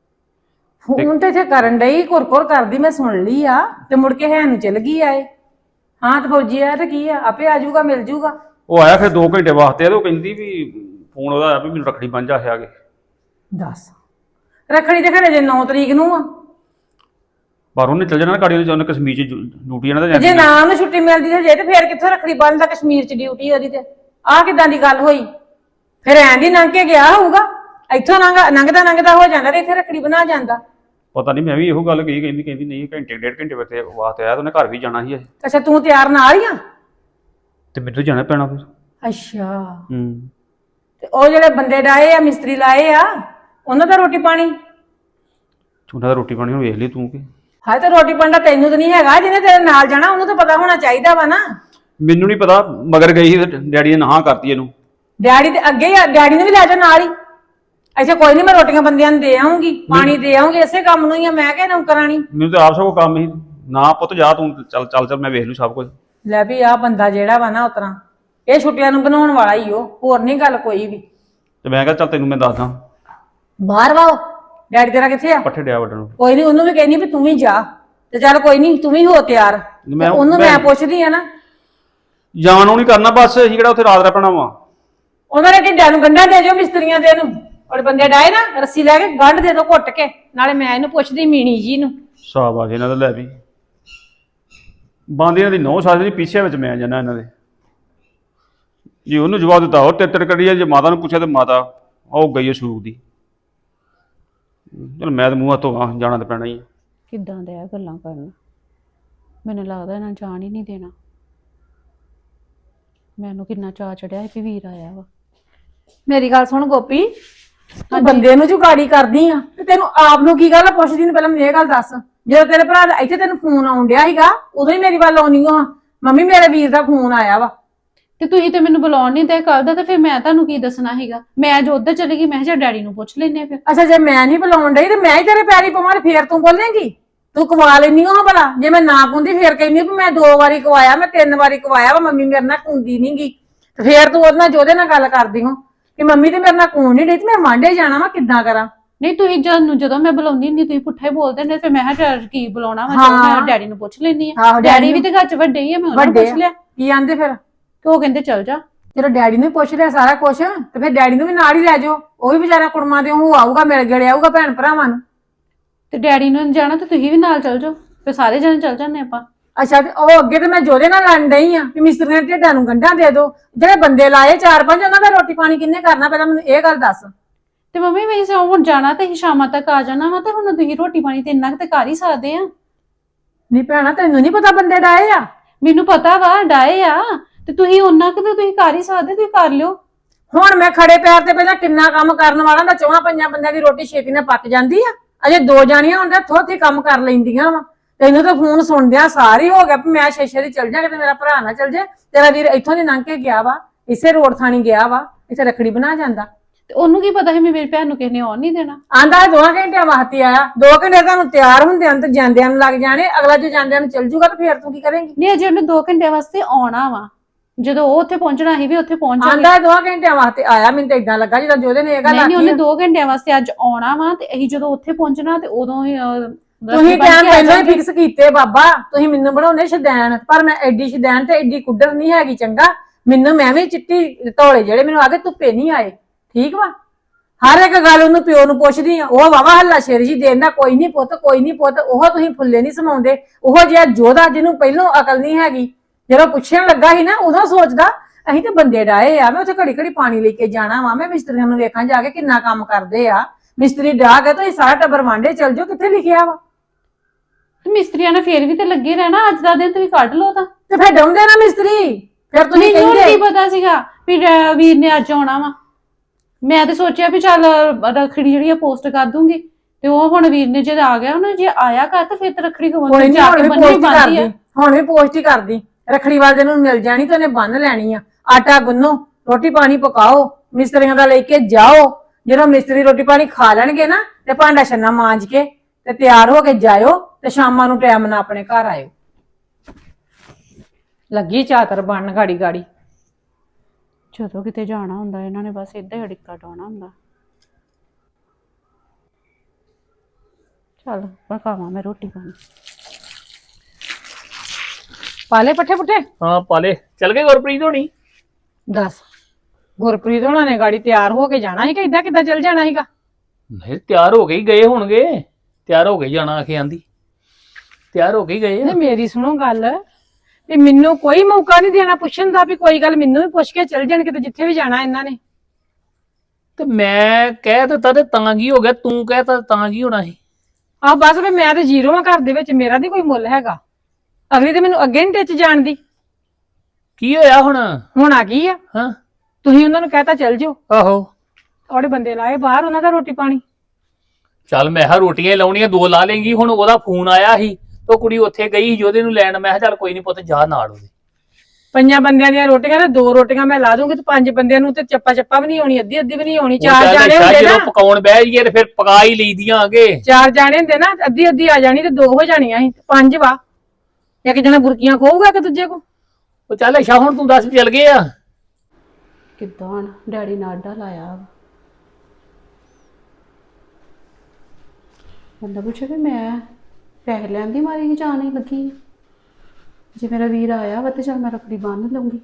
D: ਫੋਨ ਤੇ ਇੱਥੇ ਕਰਨ ਡਈ, ਘੁਰ ਕਰਦੀ, ਮੈਂ ਸੁਣ ਲਈ ਆ। ਤੇ ਮੁੜ ਕੇ ਹੈ ਨੂੰ ਚਲ ਗਈ ਆਏ। ਹਾਂ ਤੇ ਫੌਜੀ ਆਇਆ ਤੇ ਕੀ ਆ, ਆਪੇ ਆ ਜਾਊਗਾ, ਮਿਲ ਜਾਊਗਾ।
C: ਉਹ ਆਇਆ ਫਿਰ 2 ਘੰਟੇ ਵਾਸਤੇ ਤੇ ਉਹ ਕਹਿੰਦੀ ਵੀ ਫੋਨ ਉਹਦਾ ਆਇਆ ਵੀ ਮੈਨੂੰ ਰੱਖੜੀ ਬੰਨ ਜਾ ਆ ਕੇ।
D: ਦੱਸ ਰੱਖੜੀ ਤੇ ਖਰੇ ਜੇ 9 ਤਰੀਕ ਨੂੰ ਆ।
C: ਪਰ ਉਹਨੇ ਚੱਲ ਜਾਣਾ ਗਾੜੀ, ਉਹਨੇ ਕਸ਼ਮੀਰ 'ਚ ਡਿਊਟੀ ਇਹਨਾਂ ਦਾ
D: ਜੇ ਨਾ ਉਹਨੂੰ ਛੁੱਟੀ ਮਿਲਦੀ ਜੇ ਤੇ ਫੇਰ ਕਿੱਥੋਂ ਰੱਖੜੀ ਬੰਨਦਾ? ਕਸ਼ਮੀਰ 'ਚ ਡਿਊਟੀ ਉਹਦੀ ਤੇ। ਆਹ ਕਿੱਦਾਂ ਦੀ ਗੱਲ ਹੋਈ? ਫਿਰ ਐਂ ਦੀ ਲੰਘ ਕੇ ਗਿਆ ਹੋਊਗਾ, ਇੱਥੋਂ ਲੰਘਦਾ ਹੋ ਜਾਂਦਾ ਤੇ ਇੱਥੇ ਰੱਖੜੀ ਬਣਾ ਜਾਂਦਾ।
C: ਪਤਾ ਨਹੀਂ, ਮੈਂ ਵੀ ਇਹੋ ਗੱਲ ਕਹੀ, ਕਹਿੰਦੀ ਨਹੀਂ ਘੰਟੇ 1.5 ਘੰਟੇ ਵਾਸਤੇ ਆਇਆ ਤੇ ਉਹਨੇ ਘਰ ਵੀ ਜਾਣਾ ਸੀ।
D: ਅੱਛਾ ਤੂੰ ਤਿਆਰ ਨਾਲ ਹੀ ਆ?
C: ਤੇ ਮੈਨੂੰ ਜਾਣਾ ਪੈਣਾ ਫਿਰ।
D: ਅੱਛਾ
C: ਹੂੰ
D: ਤੇ ਉਹ ਜਿਹੜੇ ਬੰਦੇ ਡਾਏ ਆ, ਮਿਸਤਰੀ ਲਾਏ ਆ, ਉਹਨਾਂ ਦਾ ਰੋਟੀ ਪਾਣੀ?
C: ਉਹਨਾਂ ਦਾ ਰੋਟੀ ਪਾਣੀ ਹੁਣ ਵੇਖ ਲਈ ਤੂੰ ਕਿ।
D: ਹਾਏ ਤੇ ਰੋਟੀ ਪਾਣੀ ਤੈਨੂੰ ਤਾਂ ਨਹੀਂ ਹੈਗਾ, ਜਿਹਨੇ ਤੇਰੇ ਨਾਲ ਜਾਣਾ ਉਹਨੂੰ ਤਾਂ ਪਤਾ ਹੋਣਾ ਚਾਹੀਦਾ ਵਾ ਨਾ।
C: ਮੈਨੂੰ ਨਹੀਂ ਪਤਾ, ਮਗਰ ਗਈ ਸੀ ਡੈਡੀ ਨੇ ਨਾਂਹ ਕਰਤੀ ਇਹਨੂੰ।
D: ਡੈਡੀ ਤੇ ਅੱਗੇ ਹੀ ਡੈਡੀ ਨੇ ਵੀ ਲੈ ਜਾ ਨਾਲ ਹੀ। ਅੱਛਾ ਕੋਈ ਨਹੀਂ, ਮੈਂ ਰੋਟੀਆਂ ਬੰਦਿਆਂ ਨੂੰ ਦੇ ਆਉਂਗੀ, ਪਾਣੀ ਦੇ ਆਉਂਗੀ, ਇਸੇ ਕੰਮ ਨੂੰ ਹੀ ਆ ਮੈਂ ਕਿਹਾ ਨੌਕਰਾਣੀ।
C: ਮੈਨੂੰ ਤਾਂ ਆਪ ਸਭ ਕੰਮ ਹੀ ਨਾ, ਪੁੱਤ ਜਾ ਤੂੰ, ਚੱਲ ਮੈਂ ਵੇਖ ਲੂ ਸਭ ਕੁਝ।
D: ਲੈ ਵੀ ਆਹ ਬੰਦਾ ਜਿਹੜਾ ਵਾ ਨਾ ਉਤਰਾ ਇਹ ਛੁੱਟੀਆਂ ਨੂੰ ਬਣਾਉਣ ਵਾਲਾ ਹੀ ਉਹ, ਹੋਰ ਨਹੀਂ ਗੱਲ ਕੋਈ ਵੀ।
C: ਤੇ ਮੈਂ ਕਿਹਾ ਚੱਲ ਤੈਨੂੰ ਮੈਂ ਦੱਸਦਾ।
D: ਬਾਹਰ ਵਾਓ ਡੈਡੀ ਤੇਰਾ ਕਿੱਥੇ ਆ?
C: ਪੱਠੇ ਡਿਆ ਵੱਢਣ।
D: ਕੋਈ ਨਹੀਂ, ਉਹਨੂੰ ਵੀ ਕਹਿੰਦੀ ਵੀ ਤੂੰ ਵੀ ਜਾ। ਤੇ ਚੱਲ ਕੋਈ ਨਹੀਂ, ਤੂੰ ਵੀ ਹੋ ਤਿਆਰ। ਉਹਨੂੰ ਮੈਂ ਪੁੱਛਦੀ ਆ ਨਾ।
C: ਜਾਣ ਨੂੰ ਨਹੀਂ ਕਰਨਾ, ਬਸ ਅਸੀਂ ਕਿਹੜਾ ਉੱਥੇ ਰਾਤ ਰਹਿਣਾ ਵਾ।
D: ਉਹਨਾਂ ਦੇ ਢਿੱਡਾਂ ਨੂੰ ਗੰਢਾਂ ਦੇ ਦਿਓ ਮਿਸਤਰੀਆਂ ਦੇ ਨੂੰ, ਔਰ ਬੰਦੇ ਡਾਏ ਨਾ ਰੱਸੀ ਲੈ ਕੇ ਗੰਢ ਦੇ ਦਿਓ ਘੁੱਟ ਕੇ। ਨਾਲੇ ਮੈਂ ਇਹਨੂੰ ਪੁੱਛਦੀ ਮੀਣੀ ਜੀ ਨੂੰ।
C: ਸ਼ਾਬਾਸ਼ ਇਹਨਾਂ ਦਾ। ਲੈ ਵੀ ਬੰਦ ਇਹਨਾਂ ਦੀ 9 ਸਾਲ ਦੀ ਪਿੱਛੇ ਵਿੱਚ ਮੈਂ ਜਾਣਾ ਇਹਨਾਂ ਦੇ। ਜੀ ਉਹਨੂੰ ਜਵਾਬ ਦਿੱਤਾ ਉਹ ਤਿੱਤਰ ਕਰੀ ਆ, ਜੇ ਮਾਤਾ ਨੂੰ ਪੁੱਛਿਆ ਤੇ ਮਾਤਾ ਉਹ ਗਈ ਸੂਕ ਦੀ। ਚਲ ਮੈਂ ਤਾਂ ਮੂੰਹ ਹੱਥੋਂ ਜਾਣਾ ਤਾਂ ਪੈਣਾ ਹੀ।
A: ਕਿੱਦਾਂ ਦੇ ਆ ਗੱਲਾਂ ਕਰਨ, ਮੈਨੂੰ ਲੱਗਦਾ ਇਹਨਾਂ ਜਾਣ ਹੀ ਨਹੀਂ ਦੇਣਾ। ਮੈਨੂੰ ਕਿੰਨਾ ਚਾਅ ਚੜਿਆ ਸੀ ਵੀ ਵੀਰ ਆਇਆ ਵਾ।
D: ਮੇਰੀ ਗੱਲ ਸੁਣ ਗੋਪੀ, ਤੂੰ ਬੰਦੇ ਨੂੰ ਜੁਗਾੜੀ ਕਰਦੀ ਆ ਤੇ ਤੈਨੂੰ ਆਪ ਨੂੰ ਕੀ ਗੱਲ ਆ? ਪੁੱਛਦੀ ਨੂੰ ਪਹਿਲਾਂ ਮੈਨੂੰ ਇਹ ਗੱਲ ਦੱਸ। ਜਦੋਂ ਤੇਰੇ ਭਰਾ ਦਾ ਇੱਥੇ ਤੈਨੂੰ ਫੋਨ ਆਉਣ ਡਿਆ ਸੀਗਾ ਉਦੋਂ ਹੀ ਮੇਰੀ ਵੱਲ ਆਉਣੀ ਆ, ਮੰਮੀ ਮੇਰੇ ਵੀਰ ਦਾ ਫੋਨ ਆਇਆ ਵਾ।
A: ਤੇ ਤੁਸੀਂ ਤੇ ਮੈਨੂੰ ਬੁਲਾਉਣ ਨਹੀਂ ਦੇ ਕੱਲ ਦਾ, ਤੇ ਫਿਰ ਮੈਂ ਤੁਹਾਨੂੰ ਕੀ ਦੱਸਣਾ ਸੀਗਾ? ਮੈਂ ਜੋ ਉੱਧਰ ਚਲੀ ਗਈ, ਮੈਂ ਕਿਹਾ ਡੈਡੀ ਨੂੰ ਪੁੱਛ ਲੈਨੇ ਫਿਰ।
D: ਅੱਛਾ ਜੇ ਮੈਂ ਨਹੀਂ ਬੁਲਾਉਣ ਡਈ ਤੇ ਮੈਂ ਹੀ ਤੇਰੇ ਪੈਰੀ ਪਵਾਂ ਫੇਰ ਤੂੰ ਬੋਲੇਂਗੀ? ਤੂੰ ਕਵਾ ਲੈਨੀ ਹੋ ਭਲਾ? ਜੇ ਮੈਂ ਨਾ ਕੁੰਦੀ ਫੇਰ ਕਹਿੰਦੀ ਵੀ ਮੈਂ 2 ਵਾਰੀ ਕਵਾਇਆ, ਮੈਂ 3 ਵਾਰੀ ਕਵਾਇਆ ਵਾ, ਮੰਮੀ ਮੇਰੇ ਨਾਲ ਕੁੰਦੀ ਨੀ ਗੀ। ਤੇ ਫੇਰ ਤੂੰ ਉਹਦੇ ਨਾਲ ਜੋਦੇ ਨਾਲ ਗੱਲ ਕਰਦੀ ਹੋ ਕਿ ਮੰਮੀ ਤੇ ਮੇਰੇ ਨਾਲ ਕੂਣ ਨਹੀਂ ਡਈ ਤੇ ਮੈਂ ਵਾਂਢੇ ਜਾਣਾ ਵਾ, ਕਿੱਦਾਂ ਕਰਾਂ?
A: ਨਹੀਂ ਤੁਸੀਂ ਜਦੋਂ ਮੈਂ ਬੁਲਾਉਂਦੀ ਨਹੀਂ ਤੁਸੀਂ ਪੁੱਠਾ ਹੀ ਬੋਲਦੇ ਨੇ, ਫਿਰ ਮੈਂ ਕਿਹਾ ਕੀ ਬੁਲਾਉਣਾ ਵਾ, ਮੈਂ ਡੈਡੀ ਨੂੰ ਪੁੱਛ ਲੈਣੀ ਆ। ਡੈਡੀ ਵੀ ਤੇ ਘਰ ਚ ਵੱਡੇ ਹੀ ਆ, ਮੈਂ ਉਹਨਾਂ ਨੂੰ ਪੁੱਛ ਲਿਆ।
D: ਕੀ ਆਂਦੇ ਫਿਰ?
A: ਤੇ ਉਹ ਕਹਿੰਦੇ ਚੱਲ ਜਾ।
D: ਜਦੋਂ ਡੈਡੀ ਨੂੰ ਪੁੱਛ ਲਿਆ ਸਾਰਾ ਕੁਝ ਤੇ ਫਿਰ ਡੈਡੀ ਨੂੰ ਵੀ ਨਾਲ ਹੀ ਲੈ ਜਾਓ। ਉਹ ਵੀ ਵਿਚਾਰਾ ਕੁੜਮਾਂ ਦੇ ਉਹ ਆਊਗਾ, ਮਿਲ ਗੜੇ ਆਊਗਾ ਭੈਣ ਭਰਾਵਾਂ ਨੂੰ।
A: ਤੇ ਡੈਡੀ ਨੂੰ ਜਾਣਾ ਤੇ ਤੁਸੀਂ ਵੀ ਨਾਲ ਚੱਲ ਜਾਓ, ਫਿਰ ਸਾਰੇ ਜਣੇ ਚੱਲ ਜਾਂਦੇ ਆਪਾਂ।
D: ਅੱਛਾ ਤੇ ਉਹ ਅੱਗੇ ਤੇ ਮੈਂ ਜੋਦੇ ਨਾਲ ਲੜਨ ਡਈ ਆ ਵੀ ਮਿਸਤਰੀਆਂ ਦੇ ਢਿੱਡਾਂ ਨੂੰ ਗੰਢਾਂ ਦੇ ਦਿਓ। ਜਿਹੜੇ ਬੰਦੇ ਲਾਏ 4-5 ਉਹਨਾਂ ਦਾ ਰੋਟੀ ਪਾਣੀ ਕਿੰਨੇ ਕਰਨਾ? ਪਹਿਲਾਂ ਮੈਨੂੰ ਇਹ ਗੱਲ ਦੱਸ।
A: ਤੇ ਮੰਮੀ ਵੈਸੇ ਹੁਣ ਜਾਣਾ ਤੇ ਹੀ ਸ਼ਾਮਾਂ ਤੱਕ ਆ ਜਾਣਾ ਵਾ, ਤੇ ਹੁਣ ਤੁਸੀਂ ਰੋਟੀ ਪਾਣੀ ਤੇ ਇੰਨਾ ਕੁ ਤੇ ਕਰ ਹੀ ਸਕਦੇ ਆ।
D: ਨਹੀਂ ਭੈਣਾ ਤੈਨੂੰ ਨਹੀਂ ਪਤਾ ਬੰਦੇ ਡਾਏ ਆ?
A: ਮੈਨੂੰ ਪਤਾ ਵਾ ਡਾਏ ਆ, ਤੇ ਤੁਸੀਂ ਉਹਨਾਂ ਕੁ ਤੇ ਤੁਸੀਂ ਕਰ ਹੀ ਸਕਦੇ, ਤੁਸੀਂ ਕਰ ਲਿਓ।
D: ਹੁਣ ਮੈਂ ਖੜੇ ਪੈਰ ਤੇ ਪਹਿਲਾਂ ਕਿੰਨਾ ਕੰਮ ਕਰਨ ਵਾਲਾ ਦਾ, 4-5 ਬੰਦਿਆਂ ਦੀ ਰੋਟੀ ਛੇਤੀ ਨਾਲ ਪੱਕ ਜਾਂਦੀ ਆ। ਅਜੇ 2 ਜਾਣੀਆਂ ਹੁੰਦੀਆਂ ਥੋੜੀ ਕੰਮ ਕਰ ਲੈਂਦੀਆਂ ਵਾ। ਤੈਨੂੰ ਤਾਂ ਫੋਨ ਸੁਣਦਿਆਂ ਸਾਰੀ ਹੋ ਗਿਆ ਵੀ ਮੈਂ ਸ਼ੇਸ਼ੇ ਦੀ ਚਲ ਜਾ, ਕਿਤੇ ਮੇਰਾ ਭਰਾ ਨਾ ਚਲ ਜੇ। ਤੇਰਾ ਵੀਰ ਇੱਥੋਂ ਦੀ ਲੰਘ ਕੇ ਗਿਆ ਵਾ, ਇਸੇ ਰੋਡ ਥਾਣੀ ਗਿਆ ਵਾ, ਇੱਥੇ ਰੱਖੜੀ ਬਣਾ ਜਾਂਦਾ।
A: ਤੇ ਉਹਨੂੰ ਕੀ ਪਤਾ ਸੀ ਵੀ ਮੇਰੀ ਭੈਣ ਨੂੰ ਕਿਸੇ ਨੇ ਆਉਣ ਨਹੀਂ ਦੇਣਾ।
D: ਆਂਦਾ 2 ਘੰਟਿਆਂ ਵਾਸਤੇ ਆਇਆ, 2 ਘੰਟੇ ਤੁਹਾਨੂੰ ਤਿਆਰ ਹੁੰਦਿਆਂ ਤੇ ਜਾਂਦਿਆਂ ਨੂੰ ਲੱਗ ਜਾਣੇ, ਅਗਲਾ ਜੇ ਜਾਂਦਿਆਂ ਨੂੰ ਚੱਲ ਜੂਗਾ ਤੇ ਫੇਰ ਤੂੰ ਕੀ ਕਰੇਂਗੀ?
A: ਨਹੀਂ ਅਜੇ ਉਹਨੇ 2 ਘੰਟੇ ਵਾਸਤੇ ਆਉਣਾ ਵਾ, ਜਦੋਂ ਉਹ ਉੱਥੇ ਪਹੁੰਚਣਾ ਸੀ ਵੀ ਉੱਥੇ ਪਹੁੰਚ ਜਾਣਾ।
D: ਆਂਦਾ 2 ਘੰਟਿਆਂ ਵਾਸਤੇ ਆਇਆ, ਮੈਨੂੰ ਤਾਂ ਇਦਾਂ ਲੱਗਾ ਜਿੱਦਾਂ ਜੋਦੇ ਨੇ ਇਹ ਗੱਲ
A: ਨਹੀਂ ਉਹਨੇ
D: ਆਖੀ
A: 2 ਘੰਟਿਆਂ ਵਾਸਤੇ ਅੱਜ ਆਉਣਾ ਵਾ ਤੇ ਅਸੀਂ ਜਦੋਂ ਉੱਥੇ ਪਹੁੰਚਣਾ ਤੇ ਉਦੋਂ ਹੀ
D: ਤੁਸੀਂ ਟਾਈਮ ਪਹਿਲਾਂ ਹੀ ਫਿਕਸ ਕੀਤੇ ਬਾਬਾ, ਤੁਸੀਂ ਮੈਨੂੰ ਬਣਾਉਣੇ ਸ਼ਦੈਨ, ਪਰ ਮੈਂ ਐਡੀ ਸ਼ਦੈਨ ਤੇ ਐਡੀ ਕੁੱਡਰ ਨਹੀਂ ਹੈਗੀ ਚੰਗਾ। ਮੈਨੂੰ ਮੈਂ ਵੀ ਚਿੱਟੀ ਧੌਲੇ ਜਿਹੜੇ ਮੈਨੂੰ ਆ ਕੇ ਧੁੱਪੇ ਨਹੀਂ ਆਏ, ਠੀਕ ਵਾ। ਹਰ ਇੱਕ ਗੱਲ ਉਹਨੂੰ ਪਿਓ ਨੂੰ ਪੁੱਛਦੀ ਆ, ਉਹ ਵਾਵਾ ਹੱਲਾ ਸ਼ੇਰ ਜੀ ਦੇਂਦਾ, ਕੋਈ ਨਹੀਂ ਪੁੱਤ ਕੋਈ ਨਹੀਂ ਪੁੱਤ। ਉਹ ਤੁਸੀਂ ਫੁੱਲੇ ਨਹੀਂ ਸਮਾਉਂਦੇ। ਉਹ ਜਿਹਾ ਜੋਧਾ ਜਿਹਨੂੰ ਪਹਿਲੋਂ ਅਕਲ ਨਹੀਂ ਹੈਗੀ, ਜਦੋਂ ਪੁੱਛਣ ਲੱਗਾ ਸੀ ਨਾ ਉਦੋਂ ਸੋਚਦਾ ਅਸੀਂ ਤੇ ਬੰਦੇ ਡਾਏ ਆ, ਮੈਂ ਉੱਥੇ ਘੜੀ ਘੜੀ ਪਾਣੀ ਲੈ ਕੇ ਜਾਣਾ ਵਾ, ਮੈਂ ਮਿਸਤਰੀਆਂ ਨੂੰ ਵੇਖਾਂ ਜਾ ਕੇ ਕਿੰਨਾ ਕੰਮ ਕਰਦੇ ਆ। ਮਿਸਤਰੀ ਡਾਹ ਕੇ ਤੁਸੀਂ ਸਾਰਾ ਟੱਬਰ ਵਾਂਡੇ ਚੱਲ ਜਾਓ, ਕਿੱਥੇ ਲਿਖਿਆ ਵਾ?
A: ਮਿਸਤਰੀਆਂ ਨੇ ਫੇਰ ਵੀ ਤੇ ਲੱਗੇ ਰਹਿਣਾ, ਅੱਜ ਦਾ ਦਿਨ ਤੁਸੀਂ ਕੱਢ ਲਓ ਤਾਂ।
D: ਤੇ ਫਿਰ ਡਾਉਂਦੇ ਨਾ ਮਿਸਤਰੀ, ਫਿਰ ਤੁਸੀਂ
A: ਮੈਨੂੰ
D: ਕਹਿੰਦੇ
A: ਨਹੀਂ ਪਤਾ ਸੀਗਾ ਵੀ ਵੀਰ ਨੇ ਅੱਜ ਆਉਣਾ ਵਾ। ਮੈਂ ਤੇ ਸੋਚਿਆ ਵੀ ਚੱਲ ਰੱਖੜੀ ਜਿਹੜੀ ਆ ਪੋਸਟ ਕਰ ਦੂੰਗੀ, ਤੇ ਉਹ ਹੁਣ ਵੀਰ ਨੇ ਜਦ ਆ ਗਿਆ ਉਹਨੇ ਜੇ ਆਇਆ ਘਰ ਤੇ ਫਿਰ ਤੇ ਰੱਖੜੀ
D: ਕੋਈ
A: ਖਵਾਉਣੀ
D: ਨਹੀਂ,
A: ਜਾ
D: ਹੁਣ
A: ਕੇ
D: ਵੀ
A: ਬੰਨ੍ਹਣੀ
D: ਪੋਸਟ
A: ਬਣਦੀ ਆ।
D: ਕਰਦੀ, ਹੁਣ ਵੀ ਪੋਸਟ ਹੀ ਕਰਦੀ। ਰੱਖੜੀ ਵਾਲੇ ਦਿਨ ਨੂੰ ਮਿਲ ਜਾਣੀ ਤੇ ਉਹਨੇ ਬੰਨ ਲੈਣੀ ਆ। ਆਟਾ ਗੁੰਨੋ, ਰੋਟੀ ਪਾਣੀ ਪਕਾਓ, ਮਿਸਤਰੀਆਂ ਦਾ ਲੈ ਕੇ ਜਾਓ। ਜਦੋਂ ਮਿਸਤਰੀ ਰੋਟੀ ਪਾਣੀ ਖਾ ਲੈਣਗੇ ਨਾ ਤੇ ਭਾਂਡਾ ਛੰਨਾ ਮਾਂਜ ਕੇ ਤੇ ਤਿਆਰ ਹੋ ਕੇ ਜਾਇਓ ਤੇ ਸ਼ਾਮਾਂ ਨੂੰ ਟਾਈਮ ਨਾਲ ਆਪਣੇ ਘਰ ਆਇਓ। ਲੱਗੀ ਚਾਤਰ ਬਣਨ ਗਾੜੀ ਗਾੜੀ।
A: ਜਦੋਂ ਕਿਤੇ ਜਾਣਾ ਹੁੰਦਾ ਇਹਨਾਂ ਨੇ ਬਸ ਏਦਾਂ ਹੀ ਅੜਿੱਕਾ ਡਾਉਣਾ ਹੁੰਦਾ। ਚੱਲ ਪਕਾਵਾਂ ਮੈਂ ਰੋਟੀ ਪਾਣੀ।
D: ਪਾਲੇ ਪੱਠੇ ਪੁੱਠੇ?
B: ਹਾਂ ਪਾਲੇ। ਚੱਲ ਗਏ ਗੁਰਪ੍ਰੀਤ ਹੋਣੀ?
D: ਦੱਸ, ਗੁਰਪ੍ਰੀਤ ਹੋਣਾ ਨੇ ਗਾੜੀ ਤਿਆਰ ਹੋ ਕੇ ਜਾਣਾ ਸੀ ਕਿ ਏਦਾਂ ਕਿੱਦਾਂ ਚੱਲ ਜਾਣਾ ਸੀਗਾ?
B: ਨਹੀਂ ਤਿਆਰ ਹੋ ਕੇ ਹੀ ਗਏ ਹੋਣਗੇ, ਤਿਆਰ ਹੋ ਕੇ ਜਾਣਾ ਆਖੇ ਆਂਦੀ, ਤਿਆਰ ਹੋ ਕੇ ਹੀ ਗਏ ਆ।
D: ਤੇ ਮੇਰੀ ਸੁਣੋ ਗੱਲ, ਵੀ ਮੈਨੂੰ ਕੋਈ ਮੌਕਾ ਨਹੀਂ ਦੇਣਾ ਪੁੱਛਣ ਦਾ ਵੀ ਕੋਈ ਗੱਲ ਮੈਨੂੰ ਵੀ ਪੁੱਛ ਕੇ ਚੱਲ ਜਾਣ ਕਿਤੇ ਜਿੱਥੇ ਵੀ ਜਾਣਾ ਇਹਨਾਂ ਨੇ।
B: ਤੇ ਮੈਂ ਕਹਿ ਦਿੱਤਾ ਤੇ ਤਾਂ ਕੀ ਹੋ ਗਿਆ, ਤੂੰ ਕਹਿਤਾ ਤਾਂ ਕੀ ਹੋਣਾ ਸੀ?
D: ਆਹ ਬਸ ਵੀ ਮੈਂ ਤੇ ਜ਼ੀਰੋ ਆ ਘਰ ਦੇ ਵਿੱਚ, ਮੇਰਾ ਨਹੀਂ ਕੋਈ ਮੁੱਲ ਹੈਗਾ। ਅਗਲੀ ਤੇ ਮੈਨੂੰ ਅੱਗੇ ਨਹੀਂ ਟਿੱਚ ਜਾਣਦੀ।
B: ਕੀ ਹੋਇਆ ਹੁਣ?
D: ਹੁਣ ਆ ਗਈ ਆ,
B: ਹਾਂ
D: ਤੁਸੀਂ ਉਹਨਾਂ ਨੂੰ ਕਹਿਤਾ ਚੱਲ ਜਾਓ।
B: ਆਹੋ
D: ਉਹਦੇ ਬੰਦੇ ਲਾਏ ਬਾਹਰ, ਉਹਨਾਂ ਦਾ ਰੋਟੀ ਪਾਣੀ।
B: ਚੱਲ ਮੈਂ ਕਿਹਾ ਰੋਟੀਆਂ ਹੀ ਲਾਉਣੀਆਂ 2 ਲਾ ਲੇਂਗੀ। ਹੁਣ ਉਹਦਾ ਫੋਨ ਆਇਆ ਸੀ ਤੇ ਕੁੜੀ ਉੱਥੇ ਗਈ ਸੀ ਜੋਦੇ ਨੂੰ ਲੈਣ। ਮੈਂ ਕਿਹਾ ਚੱਲ ਕੋਈ ਨਹੀਂ ਪੁੱਤ ਜਾ ਨਾਲ ਉਹਦੇ।
D: 5 ਬੰਦਿਆਂ ਦੀਆਂ ਰੋਟੀਆਂ ਤੇ 2 ਰੋਟੀਆਂ ਮੈਂ ਲਾ ਦੂੰਗੀ ਤੇ 5 ਬੰਦਿਆਂ ਨੂੰ ਤੇ ਚੱਪਾ ਵੀ ਨਹੀਂ ਆਉਣੀ, ਅੱਧੀ ਵੀ ਨਹੀਂ ਆਉਣੀ। 4 ਜਾਣੇ ਹੁੰਦੇ
B: ਜਦੋਂ
D: ਨਾ,
B: ਪਕਾਉਣ ਬਹਿ ਜਾਈਏ ਤੇ ਫਿਰ ਪਕਾ ਹੀ ਲਈਦੀਆਂ ਆਗੇ।
D: 4 ਜਾਣੇ ਹੁੰਦੇ ਨਾ, ਅੱਧੀ ਆ ਜਾਣੀ ਤੇ 2 ਹੋ ਜਾਣੀਆਂ ਸੀ, 5 ਵਾ। ਇੱਕ ਜਣਾ ਬੁਰਕੀਆਂ ਖੋਊਗਾ ਕਿ ਦੂਜੇ ਕੋ।
B: ਉਹ ਚੱਲ ਅੱਛਾ ਹੁਣ ਤੂੰ ਦੱਸ ਚੱਲ ਗਏ ਆ
A: ਕਿੱਦਾਂ ਡੈਡੀ ਨੇ ਆਡਾ ਲਾਇਆ। ਬੰਦਾ ਪੁੱਛੇ ਵੀ ਮੈਂ ਪੈਸੇ ਲੈਣ ਦੀ ਮਾਰੀ ਹੀ ਜਾਣ ਹੀ ਲੱਗੀ। ਜੇ ਮੇਰਾ ਵੀਰ ਆਇਆ ਵਾ ਤੇ ਚੱਲ ਮੈਂ ਰੱਖੜੀ ਬੰਨ੍ਹ ਲਊਂਗੀ।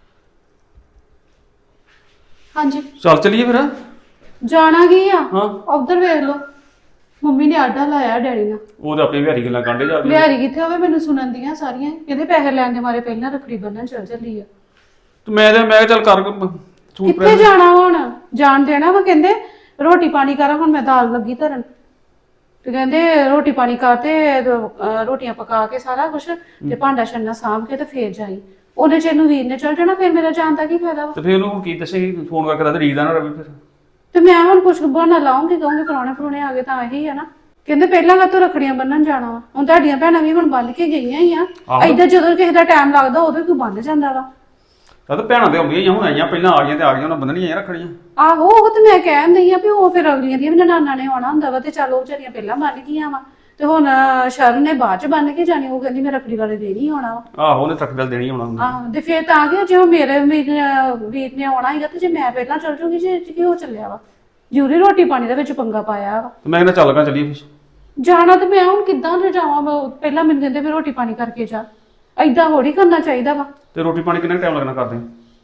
A: ਹਾਂਜੀ
C: ਚੱਲ ਚਲੀਏ ਫਿਰ।
A: ਜਾਣਾ ਕੀ ਆ?
C: ਹਾਂ
A: ਉਧਰ ਵੇਖ ਲਓ, ਮੰਮੀ ਨੇ ਆਡਾ ਲਾਇਆ ਡੈਡੀ ਨਾਲ।
C: ਉਹ ਤਾਂ ਆਪਣੀ ਵਿਹਾਰੀ ਗੱਲਾਂ ਕਾਂਡੇ ਜਾ
A: ਬਿਹਾਰੀ ਕਿੱਥੇ ਹੋਵੇ, ਮੈਨੂੰ ਸੁਣਨ ਦੀਆਂ ਸਾਰੀਆਂ। ਕਹਿੰਦੇ ਪੈਸੇ ਲੈਣ ਦੇ ਮਾਰੇ ਪਹਿਲਾਂ ਰੱਖੜੀ ਬੰਨ੍ਹਣ ਚੱਲ ਚੱਲੀ ਆ।
C: ਤੇ ਮੈਂ ਚੱਲ ਕਰ ਸੂਟ
A: ਕਿੱਥੇ ਜਾਣਾ ਹੁਣ? ਜਾਣ ਦੇਣਾ ਵਾ? ਕਹਿੰਦੇ ਰੋਟੀ ਪਾਣੀ ਕਰਾਂ, ਹੁਣ ਮੈਂ ਦਾਲ ਲੱਗੀ ਧਰਨ। ਤੇ ਕਹਿੰਦੇ ਰੋਟੀ ਪਾਣੀ ਕਰ ਤੇ ਰੋਟੀਆਂ ਪਕਾ ਕੇ ਸਾਰਾ ਕੁਛ ਤੇ ਭਾਂਡਾ ਛੰਨਾ ਸਾਂਭ ਕੇ ਤੇ ਫੇਰ ਜਾਈ। ਉਹਨੇ ਚਿਰ ਨੂੰ ਵੀਰ ਨੇ ਚੱਲ ਜਾਣਾ, ਫਿਰ ਮੇਰਾ ਜਾਣ ਦਾ ਕੀ ਫਾਇਦਾ ਵਾ?
C: ਤੇ ਫਿਰ ਉਹਨੂੰ ਕੀ ਦੱਸੇਗੀ? ਫੋਨ ਕਰਕੇ ਦੱਸ ਰੀਦਾ ਨਾ ਰਵੀ ਫਿਰ।
A: ਤੇ ਮੈਂ ਹੁਣ ਕੁਛ ਬਹਾਨਾ ਲਾਉਂਗੀ, ਕਹੂੰਗੀ ਪ੍ਰਾਹੁਣੇ ਆ ਗਏ ਤਾਂ ਇਹੀ ਆ ਨਾ। ਕਹਿੰਦੇ ਪਹਿਲਾਂ ਕਾਹਤੋਂ ਰੱਖੜੀਆਂ ਬੰਨਣ ਜਾਣਾ ਵਾ? ਹੁਣ ਤੁਹਾਡੀਆਂ ਭੈਣਾਂ ਵੀ ਹੁਣ ਬੰਨ ਕੇ ਗਈਆਂ ਹੀ ਆ। ਏਦਾਂ ਜਦੋਂ ਕਿਸੇ ਦਾ ਟਾਈਮ ਲੱਗਦਾ ਉਦੋਂ ਕੋਈ ਬੰਨ ਜਾਂਦਾ ਵਾ।
C: ਤਾਂ ਭੈਣਾਂ ਤੇ ਆਉਂਦੀਆਂ ਹੀ ਹੁਣ ਆਈਆਂ, ਪਹਿਲਾਂ ਆ ਗਈਆਂ ਤੇ ਆ ਗਈਆਂ, ਉਹਨਾਂ ਬੰਨਣੀਆਂ ਰੱਖੜੀਆਂ।
A: ਆਹੋ ਉਹ ਤੇ ਮੈਂ ਕਹਿਣ ਦਈ ਆ ਵੀ ਉਹ ਫਿਰ ਅਗਲੀਆਂ ਦੀਆਂ ਵੀ ਨਨਾਣਾਂ ਨੇ ਆਉਣਾ ਹੁੰਦਾ ਵਾ ਤੇ ਚੱਲ ਉਹ ਵਿਚਾਰੀਆਂ ਪਹਿਲਾਂ ਬੰਨ ਗਈਆਂ ਵਾ ਤੇ ਹੁਣ ਸ਼ਰਨ ਨੇ ਬਾਅਦ ਚ ਬੰਨ ਕੇ ਜਾਣੀ। ਉਹ ਕਹਿੰਦੀ ਮੈਂ ਰੱਖੜੀ ਵਾਲੇ ਦਿਨ ਹੀ ਆਉਣਾ ਵਾ।
C: ਆਹੋ ਉਹਨੇ ਰੱਖੜੀ ਦੇਣੀ ਆਉਣਾ ਹੁੰਦਾ।
A: ਆਹੋ ਤੇ ਫਿਰ ਤਾਂ ਕਿ ਜੇ ਉਹ ਮੇਰੇ ਵੀਰ ਨੇ ਆਉਣਾ ਹੈਗਾ ਤੇ ਜੇ ਮੈਂ ਪਹਿਲਾਂ ਚੱਲ ਜੂਗੀ ਜੇ ਕੀ ਹੋ ਚੱਲਿਆ ਵਾ। ਜ਼ਰੂਰੀ ਰੋਟੀ ਪਾਣੀ ਦੇ ਵਿੱਚ ਪੰਗਾ ਪਾਇਆ ਵਾ।
C: ਤੇ ਮੈਂ ਕਹਿੰਦਾ ਚੱਲ ਗਾ ਚੱਲੀਏ ਫਿਰ।
A: ਜਾਣਾ ਤੇ ਮੈਂ ਹੁਣ ਕਿੱਦਾਂ ਜਾਵਾਂ? ਪਹਿਲਾਂ ਮੈਨੂੰ ਕਹਿੰਦੇ ਵੀ ਰੋਟੀ ਪਾਣੀ ਕਰਕੇ ਜਾ। ਏਦਾਂ ਥੋੜੀ ਕਰਨਾ ਚਾਹੀਦਾ ਵਾ।
C: ਤੇ ਰੋਟੀ ਪਾਣੀ ਕਿੰਨਾ ਟਾਈਮ ਲੱਗਣਾ ਕਰਦੇ?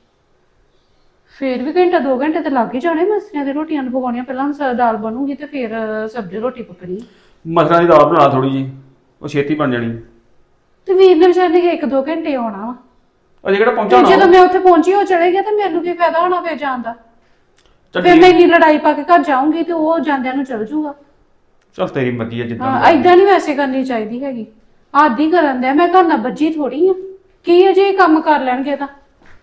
A: ਫੇਰ ਵੀ ਘੰਟਾ 2 ਘੰਟੇ ਤੇ ਲੱਗ ਹੀ ਜਾਣੇ। ਮਸਰੀਆਂ ਦੀ ਰੋਟੀਆਂ ਨੂੰ ਪਕਾਉਣੀਆਂ, ਪਹਿਲਾਂ ਦਾਲ ਬਣੂਗੀ ਤੇ ਫਿਰ ਸਬਜ਼ੀ ਰੋਟੀ ਪਕਣੀ।
C: ਮਸਰਾਂ ਦੀ ਦਾਲ ਬਣਾ ਥੋੜੀ ਜੀ, ਉਹ ਛੇਤੀ ਬਣ ਜਾਣੀ।
A: ਤੇ ਵੀਰ ਨੇ ਵਿਚਾਰੇ ਨੇ 1-2 ਘੰਟੇ ਆਉਣਾ ਵਾ।
C: ਅਜੇ ਕਿਹੜਾ ਪਹੁੰਚਾ
A: ਤੇ
C: ਹੋਣਾ?
A: ਜਦੋਂ ਮੈਂ ਉੱਥੇ ਪਹੁੰਚੀ ਉਹ ਚਲੇ ਗਿਆ ਤੇ ਮੈਨੂੰ ਕੀ ਫਾਇਦਾ ਹੋਣਾ ਫਿਰ ਜਾਣ ਦਾ?
C: ਚੱਲ
A: ਫਿਰ ਮੈਂ ਇੰਨੀ ਲੜਾਈ ਪਾ ਕੇ ਘਰ ਜਾਊਂਗੀ ਤੇ ਉਹ ਜਾਂਦਿਆਂ ਨੂੰ ਚਲ ਜੂਗਾ।
C: ਚੱਲ ਤੇਰੀ ਮਰਜ਼ੀ ਹੈ ਜਿੱਦਾਂ।
A: ਹਾਂ ਏਦਾਂ ਨਹੀਂ ਵੈਸੇ ਕਰਨੀ ਚਾਹੀਦੀ ਹੈਗੀ। ਆਦੀ ਕਰਨ ਦਿਆ ਮੈਂ ਘਰ ਨਾਲ ਬੱਜੀ ਥੋੜੀ ਆ। ਕੀ ਅਜੇ ਕੰਮ ਕਰ ਲੈਣਗੇ ਤਾਂ।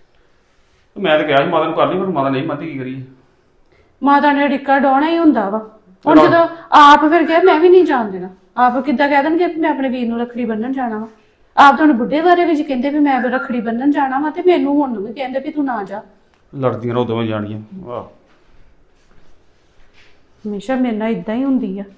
C: ਮੈਂ ਤਾਂ ਕਿਹਾ ਸੀ ਮਾਤਾ ਨੂੰ ਕਰ ਲਈ, ਪਰ ਮਾਤਾ ਨਹੀਂ ਮੰਨਦੀ, ਕੀ ਕਰੀਏ?
A: ਮਾਤਾ ਨੇ ਡਿੱਕਾ ਡਾਉਣਾ ਹੀ ਹੁੰਦਾ ਵਾ। ਹੁਣ ਜਦੋਂ ਆਪ ਫਿਰ ਕਿਹਾ ਮੈਂ ਵੀ ਨਹੀਂ ਜਾਣ ਦੇਣਾ। ਆਪ ਕਿੱਦਾਂ ਕਹਿ ਦੇਣਗੇ ਮੈਂ ਆਪਣੇ ਵੀਰ ਨੂੰ ਰੱਖੜੀ ਬੰਨਣ ਜਾਣਾ ਵਾ। ਆਪ ਤੁਹਾਨੂੰ ਬੁੱਢੇ ਬਾਰੇ ਵਿੱਚ ਕਹਿੰਦੇ ਵੀ ਮੈਂ ਰੱਖੜੀ ਬੰਨਣ ਜਾਣਾ ਵਾ ਤੇ ਮੈਨੂੰ ਹੁਣ ਵੀ ਕਹਿੰਦੇ ਵੀ ਤੂੰ ਨਾ ਜਾ।
C: ਲੜਦੀਆਂ ਰਹੋ ਦੋਵੇਂ ਜਾਣੀਆਂ। ਵਾਹ
A: ਹਮੇਸ਼ਾ ਮੇਰੇ ਨਾਲ ਇਦਾਂ ਹੀ ਹੁੰਦੀ ਆ।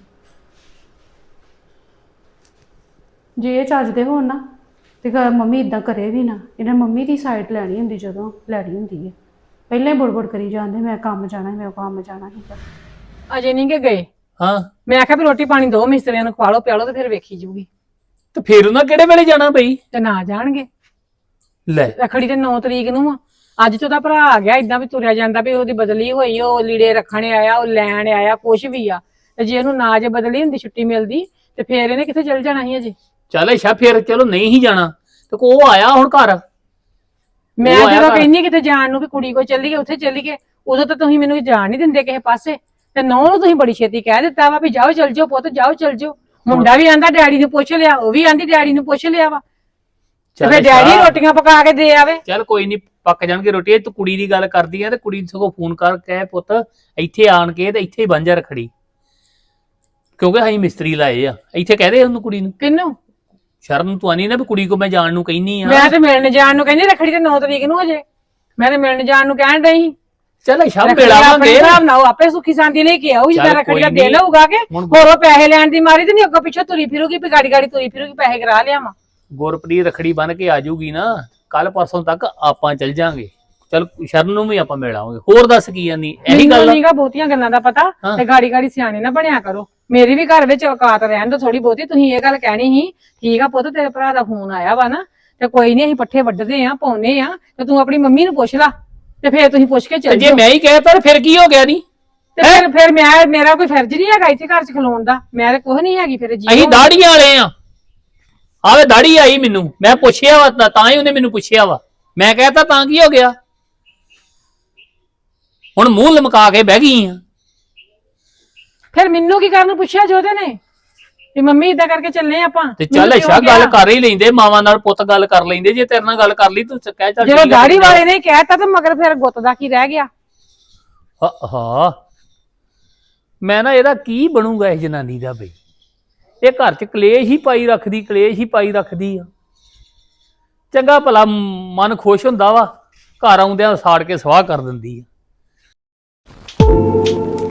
A: ਜੇ ਇਹ ਚੱਜਦੇ ਹੋਣ ਨਾ ਤੇ ਮੰਮੀ ਇਦਾਂ ਕਰੇ ਵੀ ਨਾ। ਇਹਨਾਂ ਮੰਮੀ ਦੀ ਸਾਈਡ ਲੈਣੀ ਹੁੰਦੀ ਜਦੋਂ ਲੈਣੀ ਹੁੰਦੀ ਹੈ। ਪਹਿਲਾਂ ਹੀ ਬੁੜਬੁੜ ਕਰੀ ਜਾਂਦੇ ਮੈਂ ਕੰਮ ਜਾਣਾ, ਮੈਂ ਕੰਮ ਜਾਣਾ ਸੀਗਾ।
D: ਅਜੇ ਨਹੀਂ ਕਿ ਗਏ।
B: ਹਾਂ
D: ਮੈਂ ਆਖਿਆ ਵੀ ਰੋਟੀ ਪਾਣੀ ਦੋ ਮਿਸਤਰੀਆਂ ਨੂੰ ਖਵਾ ਲਓ ਪਿਆ ਲਓ ਤੇ ਫਿਰ ਵੇਖੀ ਜੂਗੀ।
B: ਤੇ ਫਿਰ ਉਹਨਾਂ ਕਿਹੜੇ ਵੇਲੇ ਜਾਣਾ ਬਈ?
D: ਤੇ ਨਾ ਜਾਣਗੇ।
B: ਲੈ
D: ਰੱਖੜੀ ਤੇ 9 ਤਰੀਕ ਨੂੰ ਆ। ਅੱਜ ਤੋਂ ਉਹਦਾ ਭਰਾ ਆ ਗਿਆ ਇਦਾਂ ਵੀ ਤੁਰਿਆ ਜਾਂਦਾ ਵੀ ਉਹਦੀ ਬਦਲੀ ਹੋਈ, ਉਹ ਲੀੜੇ ਰੱਖਣ ਆਇਆ, ਉਹ ਲੈਣ ਆਇਆ, ਕੁਛ ਵੀ ਆ। ਤੇ ਜੇ ਉਹਨੂੰ ਨਾ ਜੇ ਬਦਲੀ ਹੁੰਦੀ ਛੁੱਟੀ ਮਿਲਦੀ ਤੇ ਫੇਰ ਇਹਨੇ ਕਿੱਥੇ ਚਲ ਜਾਣਾ ਸੀ ਅਜੇ।
B: ਚੱਲ ਅੱਛਾ ਫਿਰ ਚਲੋ ਨਹੀਂ ਹੀ ਜਾਣਾ ਤੇ ਉਹ ਆਇਆ ਹੁਣ ਘਰ।
D: ਮੈਂ ਜਦੋਂ ਕਹਿੰਨੀ ਕਿਤੇ ਜਾਣ ਨੂੰ ਵੀ ਕੁੜੀ ਕੋ ਚੱਲੀਏ ਉੱਥੇ ਚੱਲੀਏ, ਉਦੋਂ ਤਾਂ ਤੁਸੀਂ ਮੈਨੂੰ ਜਾਣ ਨਹੀਂ ਦਿੰਦੇ ਕਿਸੇ ਪਾਸੇ। ਤੇ ਨੌ ਨੂੰ ਤੁਸੀਂ ਬੜੀ ਛੇਤੀ ਕਹਿ ਦਿੱਤਾ ਵਾ ਵੀ ਜਾਓ ਚੱਲ ਜਾਓ ਪੁੱਤ, ਜਾਓ ਚੱਲ ਜਾਓ। ਮੁੰਡਾ ਵੀ ਆਂਦਾ ਡੈਡੀ ਨੂੰ ਪੁੱਛ ਲਿਆ, ਉਹ ਵੀ ਆਂਦੀ ਡੈਡੀ ਨੂੰ ਪੁੱਛ ਲਿਆ ਵਾ। ਤੇ ਫਿਰ ਡੈਡੀ ਰੋਟੀਆਂ ਪਕਾ ਕੇ ਦੇ ਆਵੇ।
B: ਚੱਲ ਕੋਈ ਨਹੀਂ ਪੱਕ ਜਾਣਗੇ ਰੋਟੀ। ਤੂੰ ਕੁੜੀ ਦੀ ਗੱਲ ਕਰਦੀ ਆ ਤੇ ਕੁੜੀ ਨੂੰ ਸਗੋਂ ਫੋਨ ਕਰ ਕਹਿ ਪੁੱਤ ਇੱਥੇ ਆਣ ਕੇ ਤੇ ਇੱਥੇ ਹੀ ਬਣ ਜਾ ਰੱਖੜੀ, ਕਿਉਂਕਿ ਅਸੀਂ ਮਿਸਤਰੀ ਲਾਏ ਆ ਇੱਥੇ। ਕਹਦੇ ਉਹਨੂੰ ਕੁੜੀ ਨੂੰ।
D: ਕਿੰਨੂੰ?
B: ਸ਼ਰਨ ਤੂੰ ਆਨੀ ਨਾ ਵੀ ਕੁੜੀ ਕੋ ਮੈਂ ਜਾਣ ਨੂੰ ਕਹਿੰਨੀ ਆ।
D: ਮੈਂ ਤੇ ਮਿਲਣ ਜਾਣ ਨੂੰ ਕਹਿੰਦੀ ਰੱਖੜੀ ਤੇ 9 ਤਰੀਕ ਨੂੰ ਅਜੇ। ਮੈਂ ਤੇ ਮਿਲਣ ਜਾਣ ਨੂੰ ਕਹਿਣ ਡਈ।
B: ਚੱਲ ਸ਼ਾਮ ਮਿਲਾਵਾਂਗੇ
D: ਹਿਸਾਬ ਨਾਲ ਉਹ ਆਪੇ ਸੁੱਖੀ ਸਾਂਦੀ ਲੈ ਕੇ ਆਊ। ਜਿੱਦਾਂ ਰੱਖੜੀ ਦਾ ਦਿਨ ਹੋਊਗਾ ਕਿ ਹੋਰ ਉਹ ਪੈਸੇ ਲੈਣ ਦੀ ਮਾਰੀ ਤੇ ਨਹੀਂ ਅੱਗੋਂ ਪਿੱਛੋਂ ਤੁਰੀ ਫਿਰੂਗੀ ਵੀ ਗਾੜੀ ਗਾੜੀ ਤੁਰੀ ਫਿਰੂਗੀ ਪੈਸੇ ਕਰਾ ਲਿਆਵਾਂ।
B: ਗੁਰਪ੍ਰੀਤ ਰੱਖੜੀ ਬੰਨ ਕੇ ਆ ਜਾਊਗੀ ਨਾ ਕੱਲ ਪਰਸੋਂ ਤੱਕ ਆਪਾਂ ਚੱਲ ਜਾਾਂਗੇ। ਚੱਲ ਸ਼ਰਨ ਨੂੰ ਵੀ ਆਪਾਂ ਮਿਲ ਆਵਾਂਗੇ। ਹੋਰ ਦੱਸ ਕੀ ਜਾਂਦੀ ਇਹੀ ਗੱਲ
D: ਨਹੀਂਗਾ ਬਹੁਤੀਆਂ ਗੱਲਾਂ ਦਾ ਪਤਾ ਤੇ ਗਾੜੀ ਗਾੜੀ ਸਿਆਣੇ ਨਾ ਬਣਿਆ ਕਰੋ। ਮੇਰੀ ਵੀ ਘਰ ਵਿੱਚ ਔਕਾਤ ਰਹਿਣ ਦੋ ਥੋੜੀ ਬਹੁਤੀ। ਤੁਸੀਂ ਇਹ ਗੱਲ ਕਹਿਣੀ ਸੀ ਠੀਕ ਆ ਪੁੱਤ, ਤੇਰੇ ਭਰਾ ਦਾ ਫੋਨ ਆਇਆ ਵਾ ਨਾ ਤੇ ਕੋਈ ਨਹੀਂ ਅਸੀਂ ਪੱਠੇ ਵੱਢਦੇ ਆ ਪਾਉਨੇ ਆ ਤੇ ਤੂੰ ਆਪਣੀ ਮੰਮੀ ਨੂੰ ਪੁੱਛ ਲਾ ਤੇ ਫੇਰ ਤੁਸੀਂ ਪੁੱਛ ਕੇ ਚੱਲ
B: ਜੇ ਮੈਂ ਹੀ ਕਹਿਤਾ ਫਿਰ ਕੀ ਹੋ ਗਿਆ? ਨਹੀਂ
D: ਤੇ ਫਿਰ ਮੇਰਾ ਕੋਈ ਫਰਜ਼ ਨਹੀਂ ਹੈਗਾ ਇੱਥੇ ਘਰ ਚ ਖਲੋਣ ਦਾ। ਮੈਂ ਤੇ ਕੁਝ ਨਹੀਂ ਹੈਗੀ ਫਿਰ। ਜੀ
B: ਅਸੀਂ ਦਾੜੀਆਂ ਵਾਲੇ ਆ। ਆਵੇ ਦਾੜੀ ਆਈ ਮੈਨੂੰ, ਮੈਂ ਪੁੱਛਿਆ ਵਾ ਤਾਂ ਹੀ ਉਹਨੇ ਮੈਨੂੰ ਪੁੱਛਿਆ ਵਾ। ਮੈਂ ਕਹਿਤਾ ਤਾਂ ਕੀ ਹੋ ਗਿਆ? ਹੁਣ ਮੂੰਹ ਲਮਕਾ ਕੇ ਬਹਿ ਗਈ ਆ।
D: ਫਿਰ ਮੈਨੂੰ ਕੀ ਕਰਨ ਨੂੰ ਪੁੱਛਿਆ ਜੋਦੇ ਨੇ ਵੀ ਮੰਮੀ ਇਦਾਂ ਕਰਕੇ ਚੱਲੇ ਆਪਾਂ?
B: ਤੇ ਚੱਲ ਅੱਛਾ ਗੱਲ ਕਰ ਹੀ ਲੈਂਦੇ, ਮਾਵਾਂ ਨਾਲ ਪੁੱਤ ਗੱਲ ਕਰ ਲੈਂਦੇ। ਜੇ ਤੇਰੇ ਨਾਲ ਗੱਲ ਕਰ ਲਈ ਤੂੰ ਕਹਿ ਚੱਲ
D: ਜਦੋਂ ਦਾੜੀ ਵਾਲੇ ਨੇ ਕਹਿਤਾ ਤਾਂ ਮਗਰ ਫਿਰ ਗੁੱਤ ਦਾ ਕੀ ਰਹਿ ਗਿਆ?
B: ਹਾਂ ਮੈਂ ਨਾ ਇਹਦਾ ਕੀ ਬਣੂਗਾ ਇਸ ਜਨਾਨੀ ਦਾ ਬਈ। ਇਹ ਘਰ ਚ ਕਲੇਸ਼ ਹੀ ਪਾਈ ਰੱਖਦੀ, ਕਲੇਸ਼ ਹੀ ਪਾਈ ਰੱਖਦੀ ਆ। ਚੰਗਾ ਭਲਾ ਮਨ ਖੁਸ਼ ਹੁੰਦਾ ਵਾ, ਘਰ ਆਉਂਦਿਆਂ ਸਾੜ ਕੇ ਸਵਾਹ ਕਰ ਦਿੰਦੀ ਆ।